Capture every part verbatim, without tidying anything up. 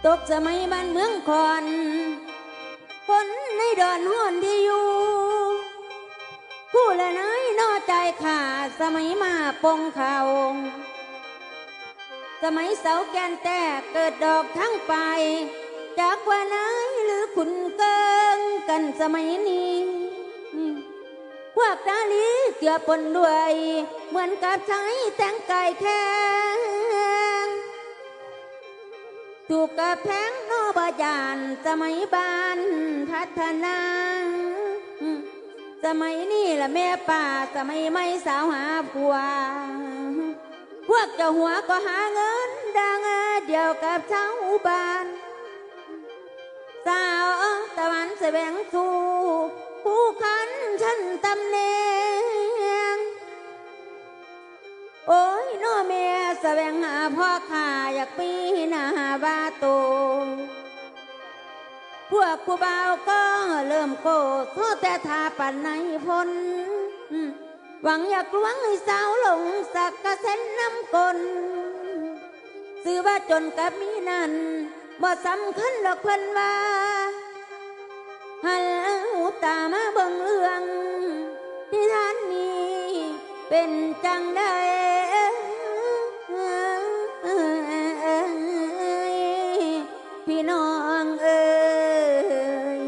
กสมัยบ้านเมืองคอนฝนในดอนห้อนที่อยู่ผู้ละน้อยนอใจขาสมัยมาปงเขาสมัยเสาแกนแต่เกิดดอกทั้งไปจากว่านายหรือขุนเกิงกันสมัยนี้พวกตาลีเกือบปนด้วยเหมือนกับใช้แต่งกายแข็งถูกกับแพงโนบยานสมัยบ้านพัฒนาสมัยนี้ละแม่ป่าสมัยไม่สาวหาผัวพวกเจ้าหัวก็หาเงินดังเดียวกับชาวบ้านสาวตะวันแสวงสู่ผู้คันฉันตำแหน่งโอ้ยน้อแม่แสวงหาพ่อข้าอยากปีหน้าบาโตพวกผู้บ่าวก็เริ่มโกรธโทษแต่ทาปันในพ้นหวังอยากลวงให้สาวหลงสักกระเซ็นน้ำกลซื้อว่าจนกับมีนั่นบ่สำคัญหรอกเพิ่นว่าหันหูตามาเบิ่งเรื่องที่ท่านนี้เป็นจังได้พี่น้องเอ้ย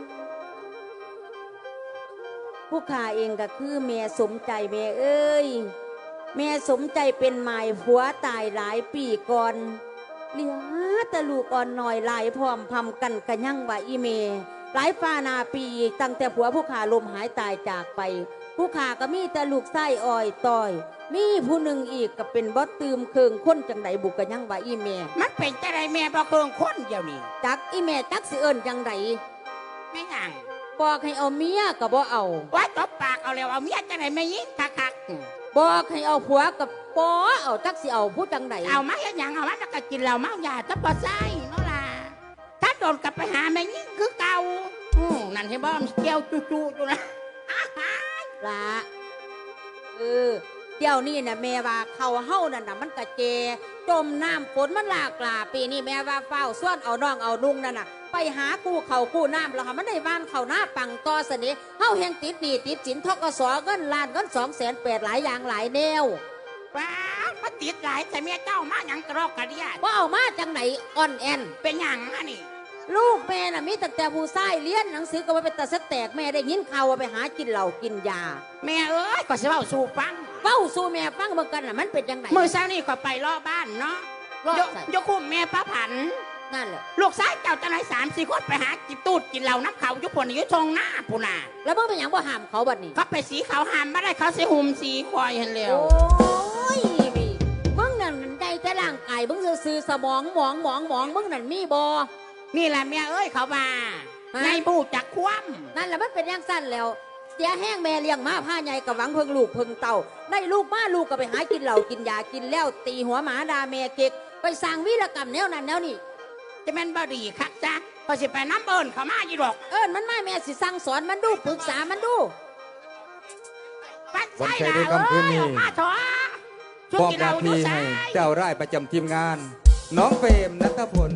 ผู้ข้าเองก็คือแม่สมใจแม่เอ้ยแม่สมใจเป็นหมายผัวตายหลายปีก่อนเหลือแต่ลูกอ่อนหน่อยหลายพร้อมพำกันกันยั่งว่าอีเมหลายฟ้านาปีตั้งแต่ผัวผู้ข้าลมหายตายจากไปผู้ข้าก็มีแต่ลูกไส้อ่อยต่อยมีผู้หนึ่งอีกก็เป็นบอสตืมเคืองคนจังไดบุกกันยั่งว่าอีเมมันเป็นจังไดแม่บ่เคืองคนเดียวนี่จักอีเมจักสิเอิญจังไดไม่ห่างบอกให้เอาเมียก็บ่เอาว่าตบปากเอาแล้วเอาเมียจังไดไม่ยิงคักๆบอกให้เอาผัวกับปอเอาจักสิเอาผู้จังไดเอามาเฮ็ดหยังเอามาแล้วก็กินเหล้าเมายาตะบ่ใส่เนาะล่ะถ้าโดนกลับไปหาแม่ยิงคือเก่าอือนั่นเห็นบ่เกี่ยวจู่ๆอยู่นะละเออเดี๋ยวนี้น่ะแม่ว่าเขาเฮานั่นน่ะมันกะเจจมน้ำฝนมันหลากหลาปีนี้แม่ว่าเฝ้าส่วนเอาน้องเอานุ่งนั่นน่ะไปหากู้เขากู้น้ำแล้วค่ะมันได้บ้านเขาหน้าปังต่อเสน่ห์เฮาแห่งติดหนี้ติดสินทกสเงินล้านเงินสองแสนแปดหลายอย่างหลายแนวว้ามาติดหลายแต่แม่เจ้ามาหยังกระรอกกระเดียดว่าเอามาจังไหนอ่อนแอนเป็นหยังอันนี้ลูกแม่น่ะมีแต่แต่ผู้ชายเลี้ยนหนังสือก็ว่าเป็นตาสแตกแม่ได้ยินข่าวว่าไปหากินเหล้ากินยาแม่เอ้ยก็สิเว้าสู่ฟังเว้าสู่แม่ฟังเหมือนกันน่ะมันเป็นจังไหนมื้อเช้านี้ก็ไปรอบ้านเนาะยกคุมแม่ป้าผันนั่นแหละลูกชายเจ้าจังไหนสามสี่คนไปหากินตูดกินเหล้าน้ำเขายุคนยุทงหน้าปูนาแล้วมึงเป็นหยังบ่ห้ามเขาบัดนี้เขาไปสีเขาห้ามไม่ได้เขาสีหุ่มสีควายเห็นแล้วโอ้ยมึงนั่นใจแต่ร่างกายมึงซื่อสมองหมองหมองหมองมึงนั่นมีบ่นี่แหละแม่เอ้ยเขามาในบูจักคว่ำนั่นแหละมันเป็นอย่างสั้นแล้วเสียแห้งแม่เลี้ยงมาผ้าใหญ่กับหวังเพิ่งลูกเพิ่งเต่าได้ลูกมาลูกก็ไปหากินเหล้ากินยากินแล้วตีหัวหมาดาแม่เก็กไปสร้างวีรกรรมแนวนั้นแนวนี้จะเป็นบดีคักจ้ะพอสิไปน้ำเอิญเขามาอยู่หรอกเอิญมันไม่แม่สิสั่งสอนมันดูปรึกษามันดูปัดใส่ละเอ้ยมาถอช่วงกีฬาดูใส่เจ้าไร่ประจำทีมงานน้องเฟรมณัฐพล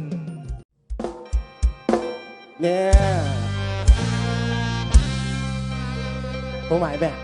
เนี่ยผมหมายแบบ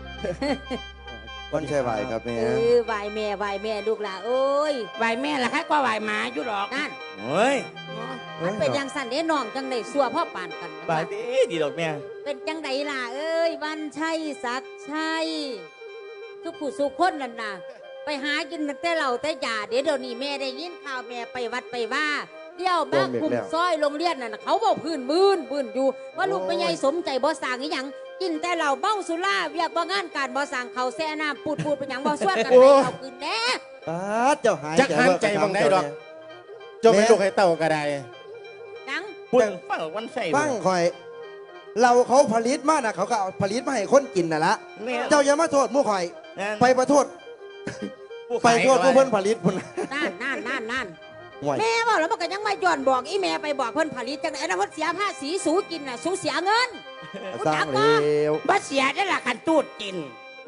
วันใช่ไหวครับแม่เออไหวแม่ไหวแม่ลูกหล่ะเอ้ยไหวแม่ละใครก็ไหวหมาอยู่หรอกนั่นเฮ้ยมันเป็นยังสั่นเด้น้องจังได้สัวพ่อปานกันบายดีดีดอกแม่เป็นจังไดล่ะเอ้ยวันชัยศักดิ์ชัยทุกผู้สุขคนนั่นน่ะไปหากินแต่เหล้าแต่ยาเดี๋ยวเดี๋ยวนี้แม่ได้ยินข่าวแม่ไปวัดไปว่าเดี่ยวบ้านคุมซอยโรงเรียนนั่นเขาบอกพื้นบื้นบื้นอยู่ว่าลูกเป็นไงสมใจบ่สั่งอีหยังกินแต่เหล้าเบ้าสุราเวียกบ่งานการบ่สั่งเขาแซ่น้ำปูดปูดเป็นหยังบ่ส่วนกันไปเอาคืนแน่เจ้าหายจักหันใจบังได้ดอกเจ้าไม่ลูกให้เต่ากระไดยังพูดฟังวันใส่ฟังคอยเราเขาผลิตมาน่ะเขาก็เอาผลิตมาให้คนกินน่ะละเจ้าอย่ามาโทษมู่คอยไปประโทษไปโทษผู้เพิ่นผลิตพุ่นนั่นนั่นนั่นนั่นแม่บอกแล้วมันก็ยังไม่ย้อนบอกอีแม่ไปบอกเพิ่นผลิตจังไหนนะเพิ่นเสียภาษีสูกินน่ะสูเสียเงินสร้างเร็วบัดเสียได้ละกันตูดกิน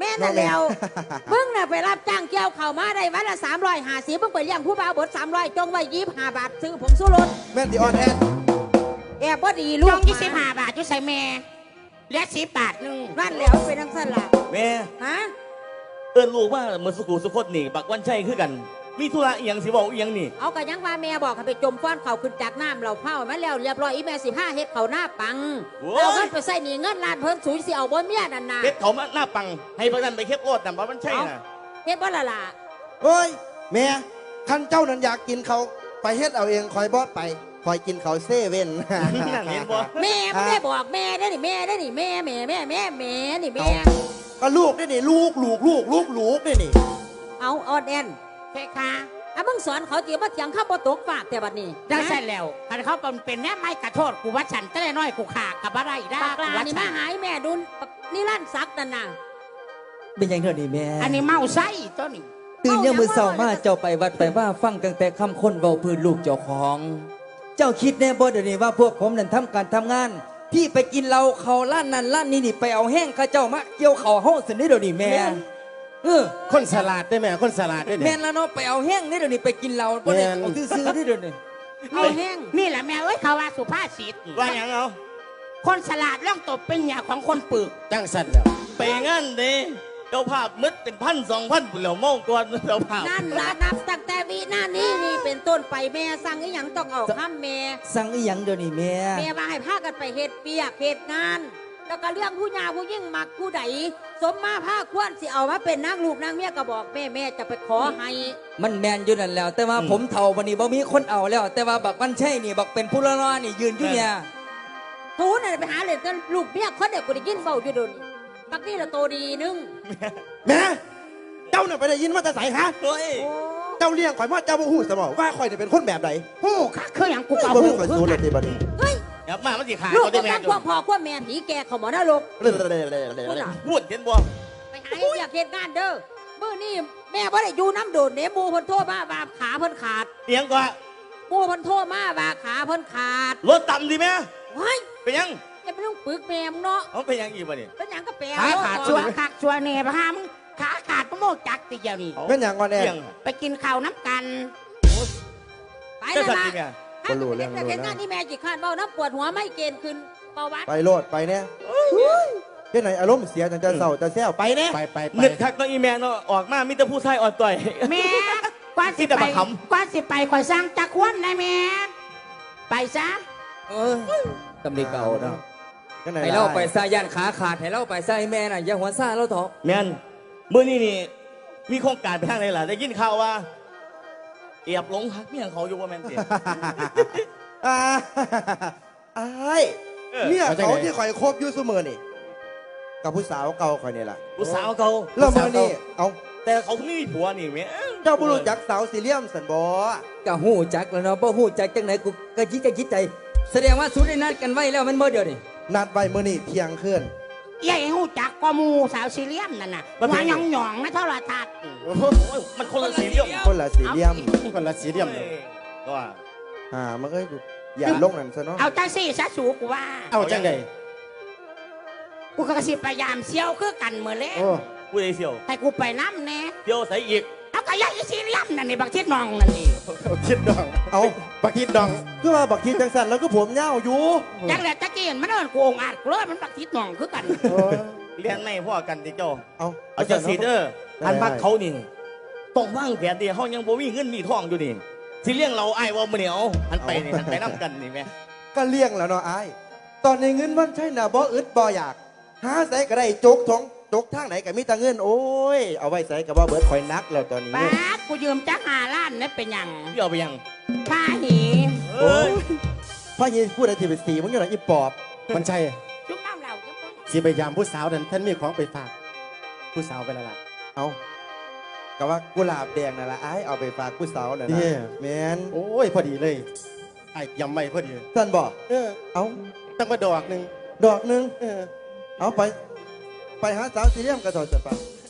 แม่นั่นแล้วมึงน่ะไปรับจ้างเกี่ยวข้าวมาได้วันละสามร้อยห้าสิบมึงไปเลี้ยงผู้บ่าวบดสามร้อยจงไว้ยี่สิบห้าบาทซื้อผงสู้รถแม่นที่ออนแอนแอบบ่ดีลูจกงยี่สิบห้าบาทอยู่ใส่แม่เหลือสิบบาทหนึงนั่นแล้วเป็นนังสละแม่ฮะเอิ้นลูกว่าเหมือนสุขุสุขดนี่บักวันชัยคือกัน มีธุระอีหยังสิบอกอีหยังนี่เอากระยังว่าแม่บอกให้ไปจมฟ้อนเขาขึ้นจากน้ำเราเผามาแล้วเรียบร้อยอีแม่สิบห้าเฮ็ดเขาหน้าปังเอาเงินไปใส่หนีเงินล้านเพิ่นสูญสิเอาบ่เมียนั่นน่ะเฮ็ดเขามาหน้าปัง ให้พระนันไปเค็บโลดแต่บักวันชัยน่ะเฮ็ดบ่ละล่ะเฮ้ยแม่คันเจ้านั้นอยากกินเขาไปเฮ็ดเอาเองคอยบอสไปคอยกินเขาเซเว่นนั่นเห็นบ่แม่ไม่ได้บอกแม่ได้นี่แม่ได้นี่แม่แม่แม่แม่แม่นี่แม่ก็ลูกได้นี่ลูกลูกลูกลูกลูกได้นี่เอาออนแอนเพคะอ่ะมึงสอนเขาจีว่าเถียงข้าบ่ตกฝากแต่บัดนี้ได้ใช่แล้วคันเขาเป็นแม่ไม้กระโทษกูว่าฉันจะได้น้อยกูขากับอะไรได้ปากลากูว่านี่ฉัมาหายแม่ดุนปักนี่ลั่นซักนั่นน่ะเป็นยังเท่านี้แม่อันนี้เมาไส้ตัวนี้ตื่นยังมือเศร้ามาเจ้าไปวัดไปว่าฟังตั้งแต่คำคนเบาพื้นลูกเจ้าของ เจ้าคิดแน่บ่เดี๋ยวนี้ว่าพวกผมนั่นทำการทำงาน ที่ไปกินเหล้าเขาล้านนั่นล้านนี่นี่ไปเอาแห้งข้าเจ้ามาเกี่ยวเขาห้องสินี่เดี๋ยวนี้แม่เออคนสลัดได้แม่คนสลัดได้แม่เนี่ยนแล้วเนาะไปเอาแห้งนี่เดี๋ยวนี้ไปกินเหล้าบ่ได้แม่นเอาซื้อๆนี่เดี๋ยวนี้เอาแห้งนี่แหละแม่เอ้ยเขาว่าสุภาษิตว่าหยังเอาคนฉลาดเรื่องตบเป็นหยาของคนปึกจังสันแล้วไปงั้นเด้เจ้าภาพมึดเป็นพันสองพันเหล่าเมองก่อนเจ้าภาพนั่นละนับตั้งแต่วิหน้านี้นี่เป็นต้นไปแม่สั่งอีหยังต้องเอาข้ามแม่สั่งอีหยังเดี๋ยวนี้แม่แม่ว่าให้พากันไปเฮ็ดเปียกเฮ็ดงาน แล้วก็เรื่องผู้ยาผู้ยิ่งมักผู้ใดสมมาผ้าควรสิเอามาเป็นนางลูกนางเมียก็บอกแม่แม่จะไปขอให้มันแมนอยู่นั่นแล้ว แต่ว่าผมเฒ่าวันนี้บ่มีคนเอาแล้ว แต่ว่าบักมันใช่นี่บักเป็นผู้ละนอนี่ยืนอยู่เนี่ยทูน่ะไปหาเลยกันลูกเมียคนเด็กกูได้ยินเฝ้าอยู่โดนปักนี่ละโตดีนึงแม่เจ้าเนี่ยไปได้ยินมาแต่ใสฮะเฮ้ยโอ้เจ้าเลี้ยงข่อยมาเจ้าบ่ฮู้สมองว่าข่อยเนี่ยเป็นคนแบบใดหูค่ะคืออย่างกูบ่เก่าเป็หูนข่อยคือสู้เลกัยนทีบัดนี้เฮ้ยอย่ามามันสิขาลูกเขาได้กำแม่ลังจควบพ่อควบแม่ผีแก่เขาหมอนรกเรื่อยๆพูดน่ะพูดเห็นบ่ไปหาเปียกเฮ็ดงานเด้อมื้อนี้แม่บ่ได้อยู่น้ำโดดเด้หมู่เพิ่นโทรมาว่าขาเพิ่นขาดเสียงก็หมู่เพิ่นโทรมาว่าขาเพิ่นขาดรถต่ำดีไหมว้ายเป็นยังจะไปต้องปึกแม่มึงเนาะเอาเป็นยังอีกบ่เนี่ยเป็นหยังก็แปลขาขาดเอชัวขาดชัวเน่พามขาขาดพระโมกจักติเดียวนี่เป็นอย่างก่อนแน่เสียงไปกินข้าวน้ำกันไปเจ้านั่นสัตว์ล่ะดีไหมบ่รู้เรื่องแต่รู้เห็นนะงานที่แม่จิคานเบ้าน้ำปวดหัวไม่เกณฑ์ขึ้นเบาหวานไปโลดไปเนี่ยเฮ็ดไหนอารมณ์เสียจังจะเศร้าจะแซวไปเนี่ยไปไปไปเนึกคักน้องอีแม่เนาะออกมามีแต่ผู้ชายอ่อนต่อยแม่กว่าสิที่แต่ไปบักขำกว่าสิไปคอยสร้างจักรวันนะแม่ไปซะเออตำลีเก่าเนาะจังไหนให้เราไปซาย่านขาขาดให้เราไปซาให้แม่น่ะอย่าหัวซ่าเราเถอะแม่นเมื่อนี้นี่มีโครงการไปทางไหนล่ะได้ยินข่าวว่าเอียบหลงฮักเมียเขาอยู่ว่าแม่นสิอ่าอ้ายเออเนี่ยเขาที่ข่อยคบอยู่เสมอนี่กับผู้สาวเก่าข่อยนี่ล่ะผู้สาวเขาแล้วมื้อนี้เอาแต่เขาไม่มีผัวนี่แม่เจ้าบ่รู้จักสาวสีเหลี่ยมสันบ่ก็หู้จักแล้วเนาะบ่หู้จักจังไหนกูก็คิดก็คิดใจ แสดงว่าสุดได้นัดกันไว้แล้วมันบ่เดียวนี่นัดไว้มื้อนี้เที่ยงคืนใหญ่หูจักกว่าหมูสาวซีเรียมนั่นน่ะหัวหยองหยองๆนะเท่าไรทัดโอ้ยมันคนละสีเรื่องคนละสีเหลี่ยมคนละสีเดียมเลยก็ว่าอ่ามันเอ้ยอย่าลงนั่นซะเนาะเอาจังสี่ซะสูกูว่าเอาจังไดกูก็สิพยายามเซี่ยวคือกันเหมือนเล่โอ้ผู้ใดเสี่ยวให้กูไปน้ำแน่เที่ยวใส่อีกเอาก็ยายซีเรียมนั่นนี่บักทิดนองนั่นนี่คิดดองเอาบักคิดดองคือว่าบักทีจังสันแล้วก็ผมยาวอยู่จังแต่ตะกี้มันเอินกูองอาจกูเลยมันบักทิดนองคือกันโอ้เรียนไม่พ่อกันติเจ้าเอาเอาจากสีเดอร์ได้อันพักเขานี่ต้องว่างแผนดีเขายังบ่มีเงินมีทองอยู่นี่สิเลี้ยงเราไอ้ายว่ามื้อนี้เอาอันไปนี่อันไปนํกันนี่แม่ก็เลี้ยงแล้วเนาะอ้ายตอนนี้เงินมันใช่น่ะบ่อึดบ่อยากหาใส่ก็ได้จกทองจกทางไหนก็มีแต่เงินโอ้ยเอาไว้ใส่ก็บ่เบิดข่อยนักแล้วตอนนี้ป้าดกูยืมจักหาล้านนี่เป็นหยังพี่เอาไปยังผ้าหีเอ้ยพ่อยีพูดอะไรที่เป็นสีมึงอยู่ไหนอีปอบมันใช่จุ๊บน้ำเหล่าจุ๊บน้ำสีไปยามผู้สาวนั้นท่านมีของไปฝาก ผู้สาวไปแล้วล่ะเอาก็ว่ากุหลาบแดงนั่นละไอ้ายเอาไปฝากผู้สาวน่ะเนี่นะยแมนโอ้ยพอดีเลยไอ้ยำไม่พอดีท่านบอกเออเอาตั้งมาดอกหนึ่งดอกหนึงเออเอาไป ไปหาสาวสีเหลี่ยมกระสอบจะปะ